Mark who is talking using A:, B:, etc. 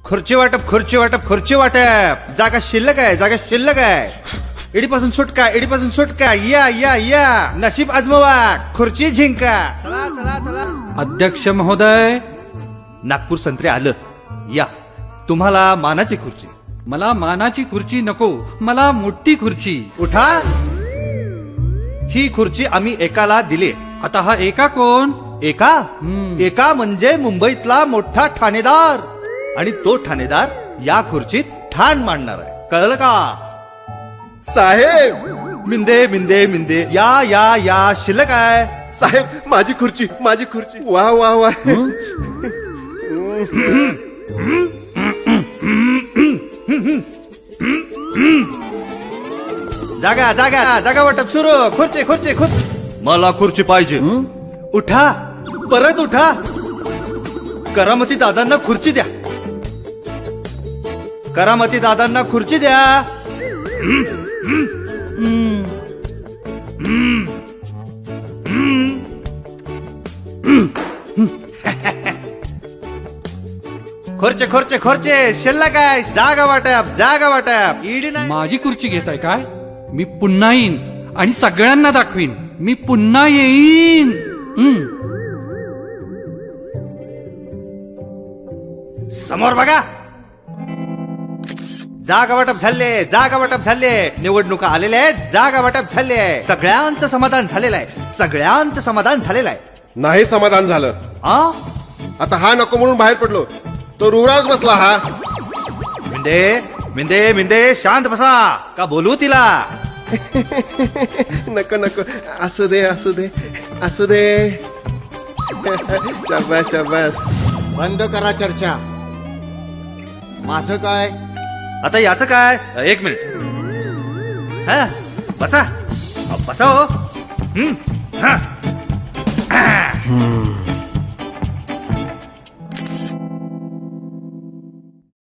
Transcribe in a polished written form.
A: खुर्ची वाटप खुर्ची वाटप खुर्ची वाटप. जागा शिल्लक आहे, जागा शिल्लक आहे. इडीपासून सुटका, इडीपासून सुटका. या या या, नशीब आजमावा, खुर्ची जिंका. चला चला चला.
B: अध्यक्ष महोदय,
A: नागपूर संत्रे आलं. या, तुम्हाला मानाची खुर्ची.
B: मला मानाची खुर्ची नको, मला मोठी खुर्ची.
A: उठा. ही खुर्ची आम्ही एकाला दिली.
B: आता हा एका कोण?
A: एका एका म्हणजे मुंबईतला मोठा ठाणेदार. आणि तो ठाणेदार या खुर्चीत ठाण मांडणार आहे. कळलं का?
C: साहेब
A: मिंदे मिंदे मिंदे. या या या, शिल्लक आहे.
C: साहेब माझी खुर्ची, माझी खुर्ची. वा वा वा.
A: जागा जागा जागा वाटप सुरू. खुर्ची खुर्ची खुर्ची. मला खुर्ची पाहिजे. उठा, परत उठा. करामती दादांना खुर्ची द्या. करामती दादांना खुर्ची द्या. खुर्चे खुर्चे खुर्चे, शिल्लक आहे. जागा वाटप, जागा वाटप. ईडी नाही.
B: माझी खुर्ची घेताय काय? मी पुन्हा येईन आणि सगळ्यांना दाखवीन. मी पुन्हा येईन.
A: समोर बघा. जागा वाटप झाले, जागा वाटप झाले. निवडणुका आलेल्या आहेत, जागा वाटप झाले. सगळ्यांचं समाधान झालेलं आहे, सगळ्यांचं समाधान झालेलं आहे.
C: नाही समाधान झालं.
A: आ
C: आता हा नको म्हणून बाहेर पडलो, तो रुराच बसला हा.
A: मिंदे मिंदे मिंदे, शांत बसा. का बोलू तिला?
C: नको नको, असू दे असू दे असू दे. शाबास शाबास.
D: बंद करा चर्चा. माझं काय?
A: आता याचं काय? एक मिनिट. हा, बसा. बसा हो. हा.